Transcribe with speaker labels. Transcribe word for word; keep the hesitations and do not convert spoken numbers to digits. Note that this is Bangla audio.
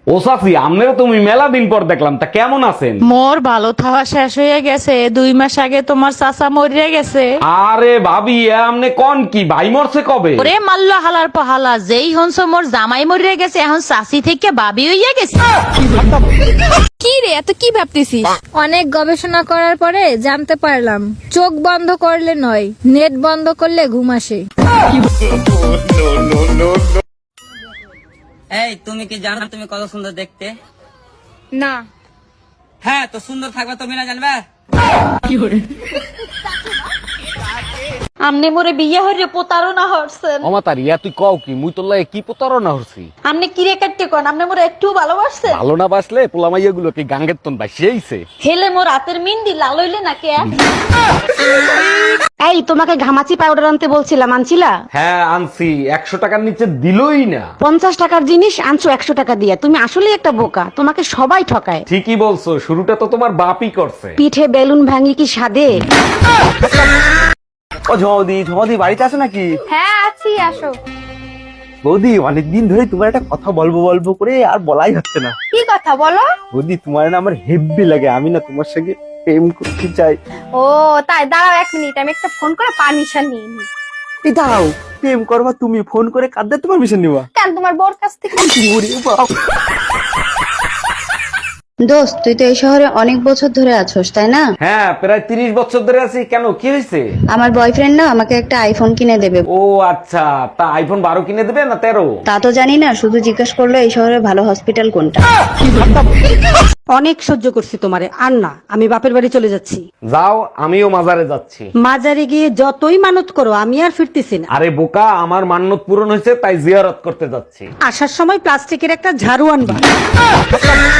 Speaker 1: ও চাচি, আমনেরও তুমি মেলা দিন পর দেখলাম, তা কেমন আছেন?
Speaker 2: মোর ভালো থাওয়া শেষ হয়ে গেছে, দুই মাস আগে তোমার চাচা মরিয়া গেছে।
Speaker 1: আরে ভাবি, এ আমনে কোন কি, ভাই মরছে কবে?
Speaker 2: ওরে মাল্ল হালার পহালা, যেই হনস মোর জামাই মরিয়া গেছে, এখন চাচি থেকে ভাবি হইয়া গেছে।
Speaker 3: কি রে, এত কি ভাবতেছিস? অনেক গবেষণা করার পরে জানতে পারলাম চোখ বন্ধ করলে নয়, নেট বন্ধ করলে ঘুম আসে।
Speaker 4: এই তুমি কি জানো তুমি কত সুন্দর দেখতে?
Speaker 3: না।
Speaker 4: হ্যাঁ, তো সুন্দর থাকবে তুমি না জানবে?
Speaker 2: আমনে মোরে বিয়ে হইরে প্রতারণা হরছেন।
Speaker 1: অমাতার ইয়া তুই কও কি, মুই তোর লাগে কি প্রতারণা হচ্ছি?
Speaker 2: আমনে কি রে কাটতে কোন, আমনে মোরে একটু ভালোবাসছেন?
Speaker 1: ভালো না বাসলে পোলামাইয়া গুলো কি গাঙ্গের তন বাসিয়েছে?
Speaker 2: হেলে মোর রাতের মিন্দি লাল হইলে না কে?
Speaker 5: এই তোমাকে ঘামাচি পাউডার আনতে বলছিলাম, আনছিলা?
Speaker 1: হ্যাঁ আনছি, একশো টাকার নিচে দিলই না।
Speaker 5: পঞ্চাশ টাকার জিনিস আনছো একশো টাকা দিয়ে, তুমি আসলে একটা বোকা, তোমাকে সবাই ঠকায়।
Speaker 1: ঠিকই বলছো, শুরুটা তো তোমার বাপই করছে।
Speaker 5: পিঠে বেলুন ভাঙি কি স্বাদে?
Speaker 6: ও ঝমদি, ঝমদি বাড়িতে আছো নাকি?
Speaker 3: হ্যাঁ আছি, আসো।
Speaker 6: বৌদি, অনেকদিন ধরে তোমার একটা কথা বলবো বলবো করে আর বলাই হচ্ছে না।
Speaker 3: কি কথা বলো?
Speaker 6: বৌদি, তোমার না আমার হেব্বি লাগে, আমি না তোমার সঙ্গে প্রেম করতে চাই।
Speaker 3: ও তাই, দাঁড়াও এক মিনিট, আমি একটা ফোন করে পারমিশন নিয়ে নিই।
Speaker 6: এই দাও, প্রেম করবা তুমি, ফোন করে কাঁদতে তোমার মিশন নিবা?
Speaker 3: কেন, তোমার বোর কাছ থেকে?
Speaker 6: ওরে বাপ।
Speaker 7: দোস্ত, তুই তো এই শহরে অনেক বছর ধরে আছোস, তাই না?
Speaker 1: হ্যাঁ, প্রায় তিরিশ বছর ধরে আছি। কেন, কি হয়েছে?
Speaker 7: আমার বয়ফ্রেন্ড না আমাকে একটা আইফোন কিনে দেবে।
Speaker 1: ও আচ্ছা, তা আইফোন বারো কিনে দেবে না তেরো?
Speaker 7: তা তো জানি না, শুধু জিজ্ঞেস করলো এই শহরে ভালো হসপিটাল কোনটা।
Speaker 5: অনেক সহ্য করছি তোমারে, আর না, আমি বাপের বাড়ি চলে যাচ্ছি।
Speaker 1: যাও, আমিও মাজারে যাচ্ছি।
Speaker 5: মাজারে গিয়ে যতই মানত করো, আমি আর ফিরতেছি না।
Speaker 1: আরে বোকা, আমার মান্যত পূরণ হয়েছে, তাই জিয়ারত করতে যাচ্ছি।
Speaker 5: আসার সময় প্লাস্টিকের একটা ঝাড়ু আনবা।